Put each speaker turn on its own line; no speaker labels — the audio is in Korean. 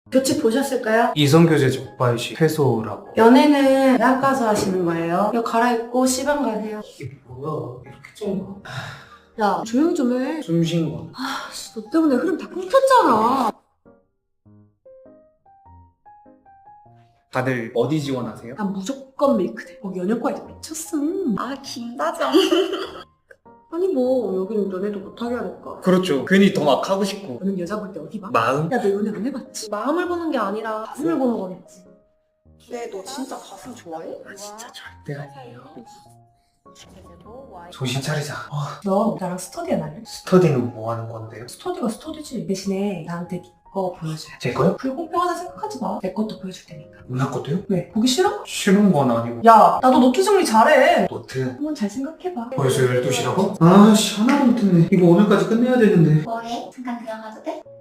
교칙 보셨을까요?
이성교제 적발시 해소라고.
연애는 대학 가서 하시는 거예요. 이거 갈아입고 시방 가세요.
이게 뭐야? 이렇게 좀
야, 조용히 좀 해.
숨 쉰 거.
너 때문에 흐름 다 끊겼잖아.
다들 어디 지원하세요?
난 무조건 메이크대. 거기 연영과 애들 미쳤음.
아, 김다정.
아니 뭐 여기는 연애도 못하게 하니까.
그렇죠. 괜히 더 막 하고 싶고.
너는 여자 볼 때 어디 봐?
마음?
야, 너 연애 안 해봤지? 마음을 보는 게 아니라 가슴을 보는 거겠지.
네, 너 진짜 가슴 좋아해?
아 진짜 절대 아니에요. 정신 차리자.
너 나랑 스터디 안 할래?
스터디는 뭐 하는 건데요?
스터디가 스터디지. 대신에 나한테 거 보여줘야 돼.
제 거요?
불공평하다 생각하지 마. 내 것도 보여줄 테니까.
누나 것도요?
왜? 보기 싫어?
싫은 건 아니고.
야, 나도 노트 정리 잘해.
노트.
한번 잘 생각해봐.
벌써 12시라고? 아씨 하나도 못했네. 이거 오늘까지 끝내야 되는데.
뭐해? 잠깐 들어가도 돼?